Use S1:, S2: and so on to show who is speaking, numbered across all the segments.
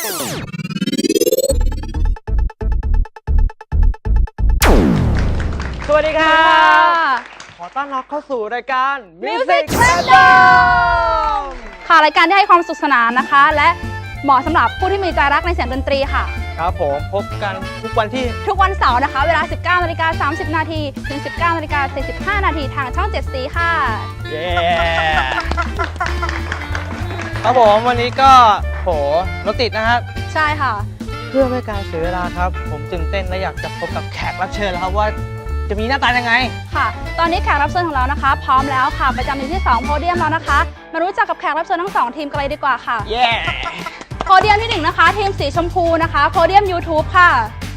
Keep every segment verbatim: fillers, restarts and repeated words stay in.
S1: สวัสดีครับขอต้อนรับเข้าสู่รายการ Music Random
S2: ค่ะรายการที่ให้ความสุขสนานนะคะและเหมาะสำหรับผู้ที่มีใจรักในเสียงดนตรีค่ะ
S1: ครับผมพบกันทุกวันที่
S2: ทุกวันเสาร์นะคะเวลา สิบเก้านาฬิกาสามสิบนาทีถึง สิบเก้านาฬิกาสี่สิบห้านาทีทางช่องเจ็ดสีค่ะ
S1: เย้ครับผมวันนี้ก็โหรถติดนะครับ
S2: ใช่ค่ะ
S1: เพื่อไม่การเสียเวลาครับผมตื่นเต้นและอยากจะพบกับแขกรับเชิญแล้วครับว่าจะมีหน้าตายังไง
S2: ค่ะตอนนี้แขกรับเชิญของเรานะคะพร้อมแล้วค่ะประจำอยู่ที่สองโพเดียมแล้วนะคะมารู้จักกับแขกรับเชิญทั้งสองทีมกันเลยดีกว่าค่ะ
S1: เย้
S2: โพเดียมที่หนึ่งนะคะทีมสีชมพูนะคะโพเดียม YouTube ค่ะ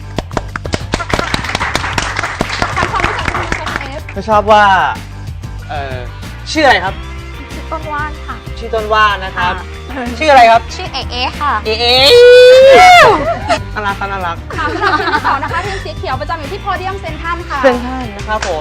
S2: ทำความรู้จักทีมเอฟ
S1: ไม่ชอบว่าเอ่อชื่ออะไรครับ
S2: ชื่อต้นว่านค่ะ
S1: ชื่อต้นว่านนะครับชื่ออะไรครับ
S2: ชื่อเอเอค่ะ
S1: เอเอน่ารักน่ารัก
S2: ค่ะสำหรับทีมที่สองนะคะทีมสีเขียวประจำอยู่ที่โพเดียมเซนทันค่ะ
S1: เซนทันนะครับผม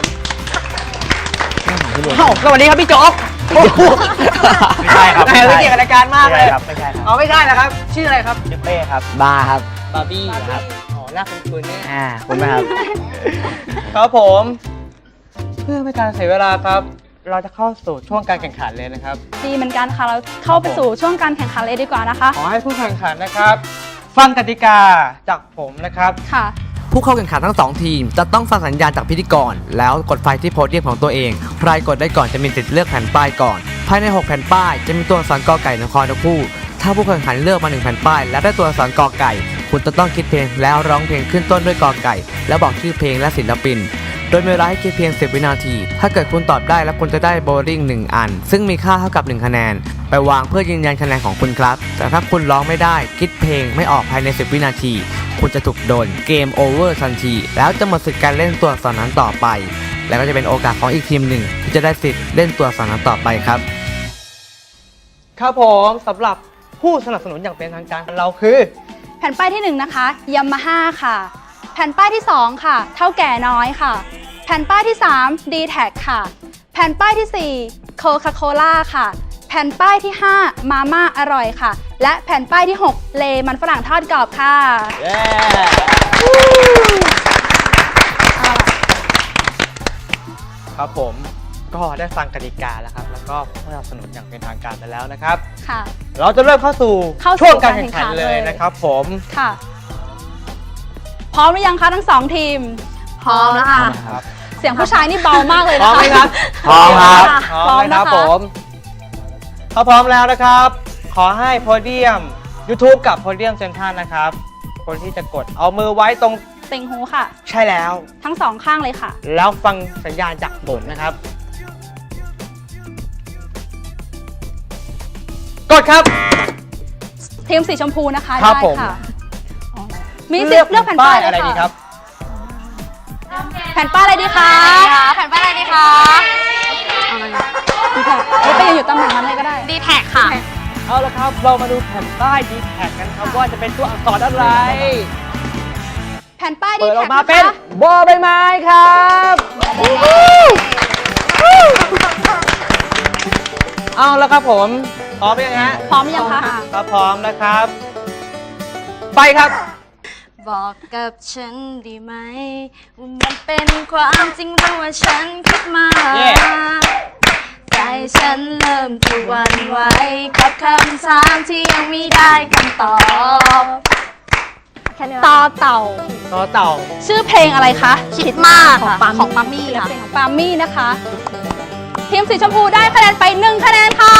S1: สวัสดีครับพี่โจ๊ก
S3: ไม่ใช่ครับ
S1: ไม่เกี่ยวกับรายการมากเลย
S3: ครับไม่ใช่ครับ
S1: อ๋อไม่ใช่นะครับชื่ออะไรครับ
S3: ชื่อเป้ครับบาครับ
S1: บาร์บี้ครับอ๋อหน้าคุ้นๆนี่
S3: อ่าคุณไหมครับ
S1: ครับผมเพื่อไม่การเสียเวลาครับเราจะเข้าสู่ช่วงการแข่งขันเลยนะครับ
S2: ดีเหมือนกันค่ะเราเข้าไปสู่ช่วงการแข่งขันเลยดีกว่านะคะ
S1: ขอให้ผู้แข่งขันนะครับฟังกติกาจากผมนะครับ
S2: ค่ะ
S4: ผู้เข้าแข่งขันทั้งสองทีมจะต้องฟังสัญญาณจากพิธีกรแล้วกดไฟที่โพเดียมของตัวเองใครกดได้ก่อนจะมีสิทธิ์เลือกแผ่นป้ายก่อนภายในหกแผ่นป้ายจะมีตัวอักษรกอไก่นครทั้งคู่ถ้าผู้แข่งขันเลือกมาหนึ่งแผ่นป้ายและได้ตัวอักษรกอไก่คุณจะต้องคิดเพลงแล้วร้องเพลงขึ้นต้นด้วยกอไก่แล้วบอกชื่อเพลงและศิลปินโดยมีเวลาให้คิดเพียงสิบวินาทีถ้าเกิดคุณตอบได้แล้วคุณจะได้โบลิ่งหนึ่งอันซึ่งมีค่าเท่ากับหนึ่งคะแนนไปวางเพื่อยืนยันคะแนนของคุณครับแต่ถ้าคุณร้องไม่ได้คิดเพลงไม่ออกภายในสิบวินาทีคุณจะถูกโดนเกมโอเวอร์ทันทีแล้วจะหมดสิทธิ์การเล่นตัวอักษรนั้นต่อไปแล้วก็จะเป็นโอกาสของอีกทีมหนึ่งที่จะได้สิทธิ์เล่นตัวอักษรนั้นต่อไปครับ
S1: ครับผมสำหรับผู้สนับสนุนอย่างเป็นทางการเราคือ
S2: แผ่นป้ายที่หนึ่งนะคะยามาฮ่าค่ะแผ่นป้ายที่สองค่ะเท่าแก่น้อยค่ะแผ่นป้ายที่สาม ดี แท็ก ค่ะแผ่นป้ายที่สี่ โคคาโคล่าค่ะแผ่นป้ายที่ห้า มาม่าอร่อยค่ะและแผ่นป้ายที่หก เลมันฝรั่งทอดกรอบค่ะ
S1: เย้ครับผมก็ได้ฟังกติกาแล้วครับแล้วก็ผู้สนับสนุนอย่างเป็นทางการไปแล้วนะครับ
S2: ค่ะ
S1: เราจะเริ่มเข้าสู่ช่วงการแข่งขันเลยนะครับผม
S2: ค่ะพร้อมหรือยังคะทั้งสองทีมพร้อมแล้วค่ะเสียงผู้ชายนี่เบามากเลยนะคะ
S1: พร้อมไหมครับ
S3: พร้อมครับ
S1: พร้อมนะครับผมถ้าพร้อมแล้วนะครับขอให้โพเดียม YouTube กับโพเดียมเซนทันนะครับคนที่จะกดเอามือไว้ตรง
S2: ติ่งหูค่ะ
S1: ใช่แล้ว
S2: ทั้งสองข้างเลยค่ะ
S1: แล้วฟังสัญญาณจากผมนะครับกดครับ
S2: ทีมสีชมพูนะคะ
S1: ได้
S2: ค่ะมีสิทธิ์เลือกแผ่นป้าย
S1: อะไรดีครับ
S2: แผ่นป้ายอะไรดีคะแผ่นป้ายอะไรดีคะดีแท็กไปยืนอยู่ตำแหน่งนั้นเลยก็ได้
S5: ดีแท็กค่ะ
S1: เอาละครับเรามาดูแผ่นป้ายดีแท็กกันครับว่าจะเป็นตัวอักษรอะไร
S2: แผ่นป้ายดีแท็ก
S1: เปิดออกมาเป็นบอใบไม้ครับเอาแล้วครับผมพร้อมยังฮะ
S2: พร้อมยังคะ
S1: ครับพร้อมนะครับไปครับ
S5: บอกกับฉันดีไหมว่ามันเป็นความจริงหรือว่าฉันคิดมา
S1: yeah.
S5: ใจฉันเริ่มจะหวั่นไหวกับคำถามที่ยังไม่ได้คำตอบ
S2: ต่อเต่า
S1: ต่อเต่า
S2: ชื่อเพลงอะไรคะ
S5: คิดมากของปาของปามี่ค่ะ
S2: เพลงของปามี่นะคะทีมสีชมพูได้คะแนนไปหนึ่งคะแนนค่ะ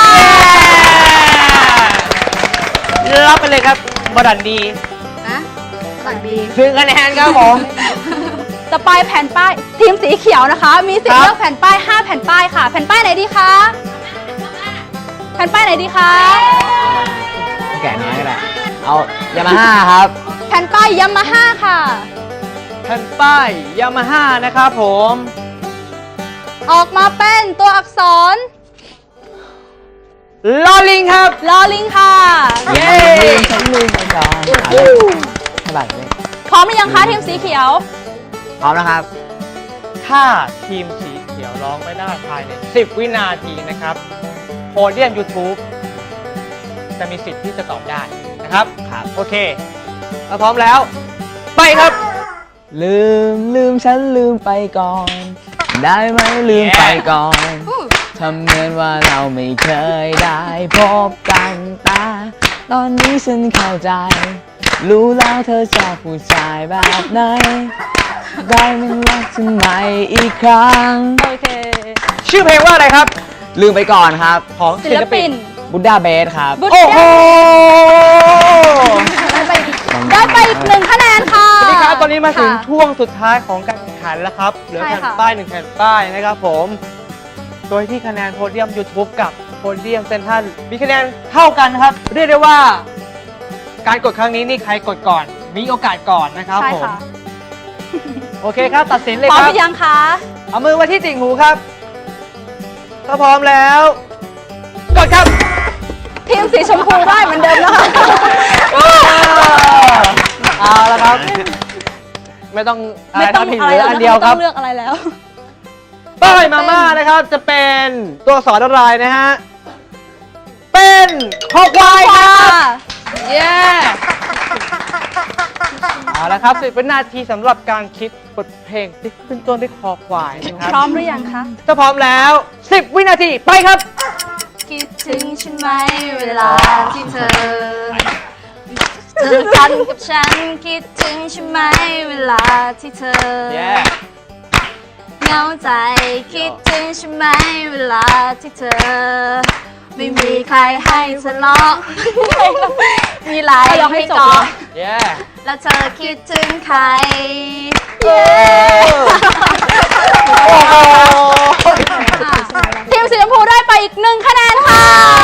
S1: รับไปเลยครับบดันดี
S5: นะบดันดี
S1: ถึงคะแนนครับผม
S2: ต่อไปแผ่นป้ายทีมสีเขียวนะคะมีสิทธิ์เลือกแผ่นป้ายห้าแผ่นป้ายค่ะแผ่นป้ายไหนดีคะแผ่นป้ายไหนดีคะ
S3: แก่น้อยก็ได้เอายามาฮ่าครับ
S2: แผ่นป้ายยามาฮ่าค่ะ
S1: แผ่นป้ายยามาฮ่านะครับผม
S2: ออกมาเป็นตัวอักษร
S1: ลอลิงครับ
S2: ลอลิงค่ะ
S1: เย้
S3: ชั้นลิงจองสบายเลย
S2: พร้อมหรือยังคะทีมสีเขียว
S3: พร้อมแล้วครับ
S1: ถ้าทีมสีเขียวร้องไม่ได้ภายในสิบวินาทีนะครับโพเดียม YouTube จะมีสิทธิ์ที่จะตอบได้นะครับ
S3: ครับ
S1: โอเคถ้าพร้อมแล้ว ไปครับ
S3: ลืมลืมฉันลืมไปก่อน ได้ไหมลืมไปก่อนทำเหมือนว่าเราไม่เคยได้พบกันแต่ ตอนนี้ฉันเข้าใจ รู้แล้วเธอชอบผู้ชายแบบไหน ได้มันรักฉันใหม่อีกครั้ง
S2: โอเค
S1: ชื่อเพลงว่าอะไรครับ
S3: ลืมไปก่อนครับ
S1: ของ
S2: ศิลปิน
S3: บุดดาเบสครับ
S2: บุต
S1: โอ้โห
S2: ได้ไปได้ไปอีกหนึ่งคะแนนค่ะ
S1: สวัสดีครับ ตอนนี้มาถึง
S2: ค่ะ
S1: ช่วงสุดท้ายของการแข่งขันแล้วครับ เหลือ
S2: ใช่
S1: แผ่น
S2: ค่ะ
S1: ป้ายหนึ่งแผ่นป้ายนะครับผม โดยที่คะแนนโพเดียม YouTube กับโพเดียมเซนทรัลมีคะแนนเท่ากันครับ เรียกได้ว่า การกดครั้งนี้นี่ใครกดก่อน มีโอกาสก่อนนะครับ
S2: ใช่
S1: ผม
S2: ค่ะ
S1: โอเคครับ ตัดสินเลย
S2: พร้อ
S1: ค
S2: ม
S1: รับ
S2: หรือยังคะ
S1: เอามือไว้ที่ติ่งหูครับ ถ้าพร้อมแล้ว กดครับ
S2: ทีมสีชมพูได้เหมือนเดิมนะคะ
S1: เอาละครับ ไม่ต้องอะไร
S2: ไม่ต้อง
S1: ทำผิด
S2: อะไร
S1: เหลือ
S2: แล้ว
S1: อัน
S2: นะ
S1: เดียว
S2: ไม่
S1: ค
S2: ต้
S1: รั
S2: อบ งเลือกอะไรแล้ว
S1: ป้ายมาม่านะครับ จะเป็นตัวสอนอะไรนะฮะ เป็นคอควายครับ เย้เอาละครับสิบวินาทีสำหรับการคิดบทเพลงที่ขึ้นต้นด้วยคอควายนะครับ
S2: พร้อมหรือยังคะ
S1: ถ้าพร้อมแล้วสิบวินาทีไปครับ
S5: คิดถึงฉันไหมเวลาที่เธอเจอกันกับฉันคิดถึงฉันไหมเวลาที่เธอ
S1: Yeah
S5: เหงาใจคิดถึงฉันไหมเวลาที่เธอ ไม่มีใครให้ทะเลาะมีหลาย
S2: เอายกให้
S5: ให้
S2: จบ
S5: เกาะ
S1: Yeah
S5: แล้วเธอคิดถึงใคร
S1: โอ้โห
S2: ทีมสีชมพูได้ไปอีกหนึ่งคะแนนค่ะ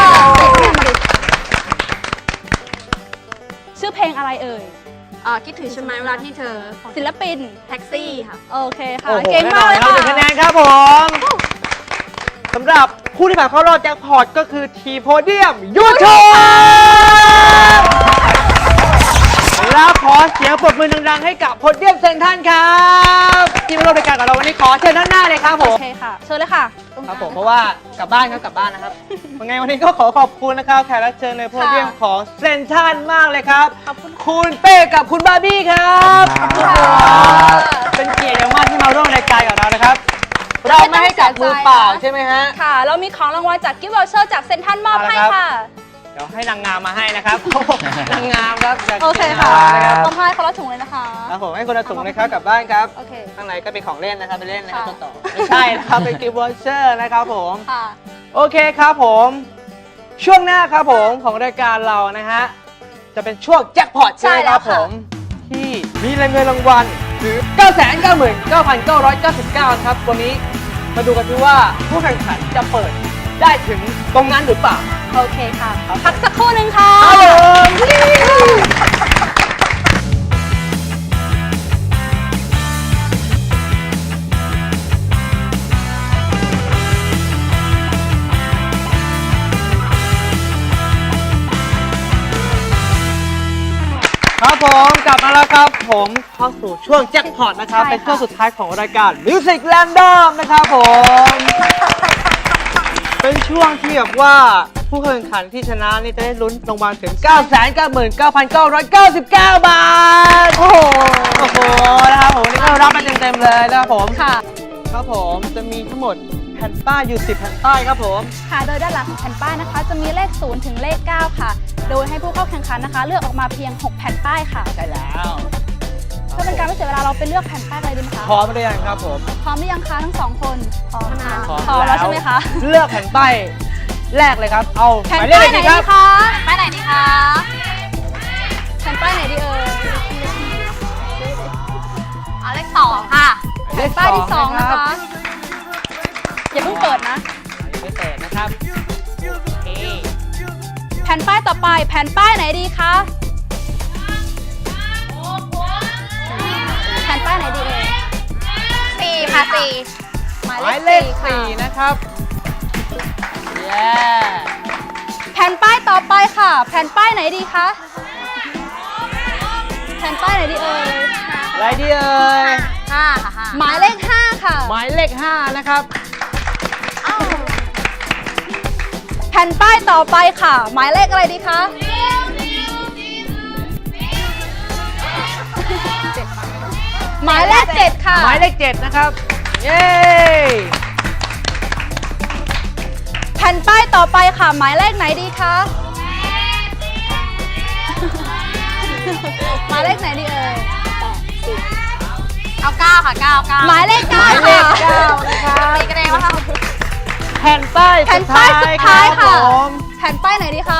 S2: ชื่อเพลงอะไรเอ่ย
S5: อ่าคิดถึงฉันไหมเวลาที่เธอ
S2: ศิลปิน
S5: แท็กซี่ค่ะ
S2: โอเคค่ะ
S1: โอ้โห
S2: เก่งมากเลย
S1: แน่นอนครับหนึ่ง
S2: ค่ะ
S1: คะแนนครับผมสำหรับผู้ที่ผ่านเข้ารอบแจ็คพอตก็คือทีโพเดียมยูทูบแล้วขอเสียงปรบมือดังๆให้กับโพเดียมเซนทรัลครับที่มาร่วมรายการกับเราวันนี้ขอเชิญด้านหน้าเลยครับผ
S2: โอ
S1: ม
S2: เคค่ะ เชิญเลยค่ะตงก
S1: ค
S2: ลา
S1: รับ
S2: ง
S1: ผมเพราะว่ากลับบ้านครับกลับบ้านนะครับยังไงวันนี้ก็ขอขอบคุณนะครับแขกรับเชิญในโพเดียมของเซนทรัลมากเลยครับ
S2: ขอบคุณ
S1: คุณเป้กับคุณบาร์บี้ครับ
S3: ขอบคุณ
S1: ค
S3: ครั
S1: รับ เป็นเกียรติอย่างมากที่มาร่วมรายการกับเรานะครับ เราไม่ให้จับมือเปล่าใช่ไหมฮะ
S2: ค่ะ เรามีของรางวัลจากกิฟต์วอเชอร์จากเซนทรัลมอบให้
S1: เอาละครับ
S2: ค่ะ
S1: เดี๋ยวให้นางงามมาให้นะครับ นางงามครับจาก
S2: โอเคค่ะ
S1: นะครับ
S2: มอบให้คนละถุงเลยนะคะ
S1: ครับผมให้คนละถุงนะครับกลับบ้านครับ
S2: โอเค
S1: ข้างในก็เป็นของเล่นนะครับไปเล่นนะครับ
S2: ค่ะ
S1: ต้นต่อไม่ใช่นะครับเป็นกิฟต์วอเชอร์นะครับผม
S2: ค่ะ
S1: โอเคครับผม ช่วงหน้าครับผมของรายการเรานะฮะจะเป็นช่วงแจ็คพอตใช่ไหมครับ
S2: ใช่แล้วค่ะ
S1: ผมที่มีเงินรางวัลหรือ เก้าแสนเก้าหมื่นเก้าพันเก้าร้อยเก้าสิบเก้า ครับวันนี้มาดูกันที่ว่าผู้แข่งขันจะเปิดได้ถึงตรงนั้นหรือเปล่า
S2: โอเคค่ะ พักสักครู่หนึ่งค่ะ
S1: ครับผมครับผมกลับมาแล้วครับผมเข้าสู่ช่วงแจ็คพอตนะครับ
S2: ใช่ค่ะ
S1: เป็นช่วงสุดท้ายของรายการ Music Random นะครับผมเป็นช่วงที่แบบว่าผู้แข่งขันที่ชนะนี่จะได้ลุ้นรางวัลถึง เก้าแสนเก้าหมื่นเก้าพันเก้าร้อยเก้าสิบเก้า บาท โอ้โหโอ้โหนะครับผมนี่ก็รับไปเต็มๆเลยนะครับผม
S2: ค่ะ
S1: ครับผมจะมีทั้งหมดแผ่นป้ายอยู่สิบแผ่นป้ายครับผม
S2: ค่ะ โดยด้านหลังของแผ่นป้ายนะคะ จะมีเลขศูนย์ถึงเลขเก้าค่ะ โดยให้ผู้เข้าแข่งขันนะคะ เลือกออกมาเพียงหกแผ่นป้ายค่ะ
S1: ใช่แล้ว
S2: เพื่อเป็นการไม่เสียเวลาเราไปเลือกแผ่นป้ายเลยดีไหมคะ
S1: พร้อมหรือยังครับผม
S2: พร้อมหรือยังคะทั้งสองคนพร้อมนะ
S1: พร้อม
S2: พร้อมแล้วใช่ไหมคะ
S1: เลือกแผ่นป้ายแรกเลยครับ เอา
S2: แผ่น
S1: หมายเล
S2: ป้า
S1: ข
S2: ยไหน
S1: ดีค
S2: ดี
S1: รับ
S2: คะป้ายไหนดีคะแผ่นป้ายไหนดีเอ่ย
S5: เอาเลขสองค่ะ
S1: เลข
S2: ป้ายที่สองนะ
S1: รั
S2: คะ
S1: บ
S2: อย่าเพิ่งเปิดนะ
S1: ยังไม่เปิดนะครับโอเค
S2: แผ่นป้ายต่อไปแผ่นป้ายไหนดีคะแผ่นป้ายไหนดีเอ่ย
S5: สี่ค่ะสี่
S2: หมาย
S1: หมาย
S2: เล
S1: เล
S2: ข
S1: ข
S2: สี่
S1: สี่
S2: ค่ะ
S1: นะครับเย้
S2: แผ่นป้ายต่อไปค่ะ แผ่นป้ายไหนดีคะแผ่นป้ายไหนดีเอ่ย
S1: อะไรดีเอ่ย
S5: ห้าค่ะห้า
S2: หมายเลขห้าค่ะ
S1: หมายเลขห้านะครับ
S2: แผ่นป้ายต่อไปค่ะ หมายเลขอะไรดีคะหมายเลขเจ็ดค่ะ
S1: หมายเลขเจ็ดนะครับ เย้
S2: แผ่นป้ายต่อไปค่ะ หมายเลขไหนดีคะ หมายเลขไหนดีเอ่ย
S5: เอาเก้าค่ะเก้าเก้า
S2: หมายเลข
S1: ห
S2: เก้า
S1: มายเลข
S2: ค่ะ
S1: เก้านะครับ
S5: ตีกันเองวะคะ
S1: แผ่นป้าย
S2: แผ่
S1: สุ
S2: น
S1: ด
S2: ป้า
S1: ท้าย ย
S2: สุดท้าย
S1: ครั
S2: ค่ะ
S1: บผม
S2: แผ่นป้ายไหนดีคะ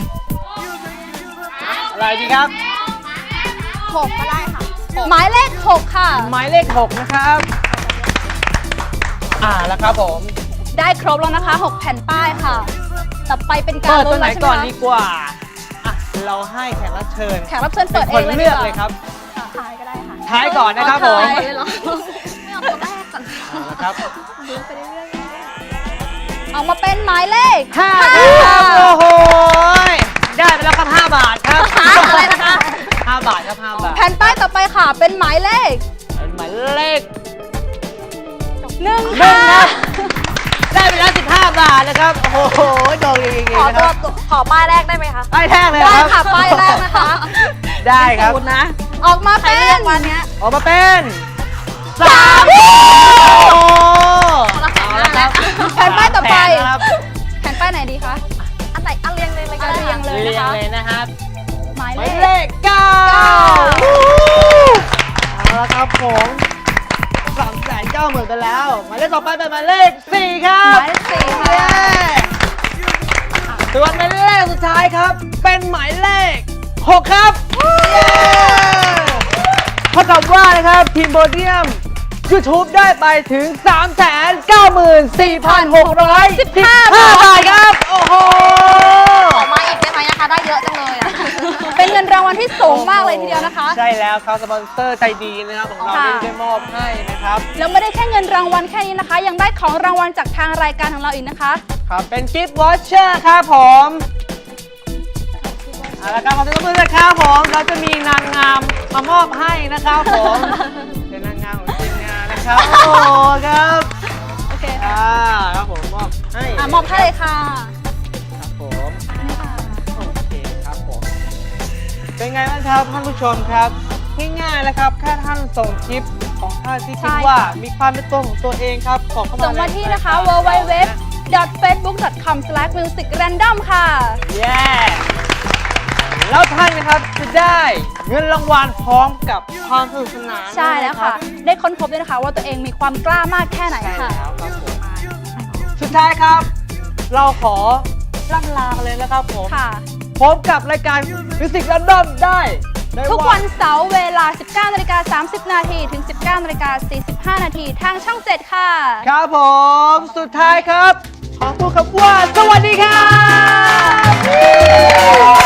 S1: อะไรดีครับ
S5: หกก็ได้ค่ะ
S2: หมายเลขหกค่ะ
S1: หมายเลขหกนะครับ อ่าแล้วครับผม
S2: ได้ครบแล้วนะคะหกแผ่นป้ายค่ะ ต่อไปเป็นการ
S1: เปิด
S2: ลุ้
S1: ตัวน ไหน
S2: แล้วใช่ไหม
S1: ก่อน
S2: คะ
S1: ดีกว่าอ่ะเราให้แขกรับเชิญ
S2: แขกรับเชิญเปิดเอ
S1: คน
S2: งเลย
S1: เลื
S2: ดี
S1: อก
S2: กว่า
S1: เลยครับ
S5: ท้ายก็ได้ค่ะ
S1: ท้ายก่อนนะครับผม
S5: ท้ายเลยเหรอไม่เอาตัวแรกก่อน
S1: เอาละครับ
S5: ดูไปเรื่อย
S2: เอามาเป็นหมายเลข
S1: ห้า
S2: ห้า
S1: ครับโอ้โหได้ไปแล้วครับห้าบาทครับ
S2: อะไรนะคะ
S1: ห้าบาทครับห้าบาท
S2: แผ่นป้ายต่อไปค่ะ เป็นหมายเลข
S1: เป็นหมายเลข
S2: หนึ่ง
S1: หนึ่
S2: ค่ะ
S1: งครับ ได้ไปแล้วสิบห้าบาทนะครับ โอ้โหโดนจริง
S5: ๆ
S1: ๆ
S5: ขอ
S1: นะค
S5: ตัว
S1: รับ
S5: ตัวขอป้ายแรกได้ไหมคะ
S1: ป้ายแรกเลย
S2: ได้
S1: ค
S2: ค่ะ
S1: รับ
S2: ป้ายแรกนะคะ
S1: ได้ครับ
S5: สูตรนะ
S2: ออกมา
S5: ใคร
S2: เป็
S5: เลือก
S2: น
S5: วันเนี้ย
S1: ออกมาเป็นสาม
S2: โอ้
S1: โอ้
S5: คนละแผ่นห
S1: เอา
S5: น้า
S1: ละครับ
S2: แผ่นป้ายต่อไป
S1: สมแผ่นนะครับ
S2: แผ่นป้ายไหนดีคะ
S5: อันไหนอันเรียงเลยเลยก็
S2: เอา
S5: ได้
S2: เรียงเลย
S1: เรี
S2: นะ
S1: ยง
S2: คะ
S1: เลยนะครับ
S2: หมาย
S1: ห
S2: เล
S1: มาย
S2: ข
S1: เลขเก้า
S2: เก้า
S1: เอาละครับผมสามแสนเก้าหมื่นไปแล้ว หมายเลขต่อไปเป็นหมายเลขสี่ครั
S2: ห
S1: บ
S2: มายเลขสี่ค่ะ
S1: เย้ส่วนหมายเลขสุดท้ายครับ เป็นหมายเลขหกครับเย้เท่ากับว่านะครับทีมโบเดียม YouTube ได้ไปถึง สามแสนเก้าหมื่นสี่พันหกร้อยสิบห้า บาทครับ โอ้โห
S5: ขอมาอีกได้ไหมนะคะได้เยอะจังเลยอ่ะ
S2: เป็นเงินรางวัลที่สูงมากเลยทีเดียวนะคะ
S1: ใช่แล้วครับสปอนเซอร์ใจดีนะครับของเรา
S2: ค่ะ
S1: ได้ได้มอบให้นะครับ
S2: แล้วไม่ได้แค่เงินรางวัลแค่นี้นะคะ ยังได้ของรางวัลจากทางรายการของเราอีกนะคะ
S1: ครับ เป็นกิฟต์วอชเชอร์ครับผม เอาละครับขอบคุณนะครับผม เราจะมีนางงามมามอบให้นะครับผม เป็นนางงามของทีมงานนะครับ โอ้โหครับ
S2: โอเคค่ะ
S1: อ่าครับผมมอบให้
S2: อ่ะมอบให้เลยค่ะ
S1: ครับผมโอเคครับผม เป็นไงบ้างครับท่านผู้ชมครับง่ายๆแล้วครับแค่ท่านส่งคลิปของท่านที่
S2: ใช่
S1: คิดว่ามีความเป็นตัวของตัวเองครับส่งเข้ามา
S2: ส่งมา
S1: ใน
S2: ที่นะคะ
S1: ราย
S2: w
S1: การ
S2: w w dot facebook dot com slash music random ค่ะ
S1: เย้แล้วท่านนะครับจะได้เงินรางวัลพร้อมกับความสนุกสนาน
S2: ใช่แล้วค่ะ ได้ค้นพบด้วยนะคะ ว่าตัวเองมีความกล้ามากแค่ไหน
S1: ใช่
S2: ค่ะ
S1: แล้วครับผมสุดท้ายครับ เราขอล่ำลากันเลยนะครับผม
S2: ค่ะ
S1: พบกับรายการมิวสิกแรนดอมได้ใน
S2: ทุกวันเสาร์เวลา สิบเก้านาฬิกาสามสิบนาทีถึง สิบเก้านาฬิกาสี่สิบห้านาทีทางช่องเจ็ดค่ะ
S1: ครับผมสุดท้ายครับ ขอพูดคำว่าสวัสดีครับ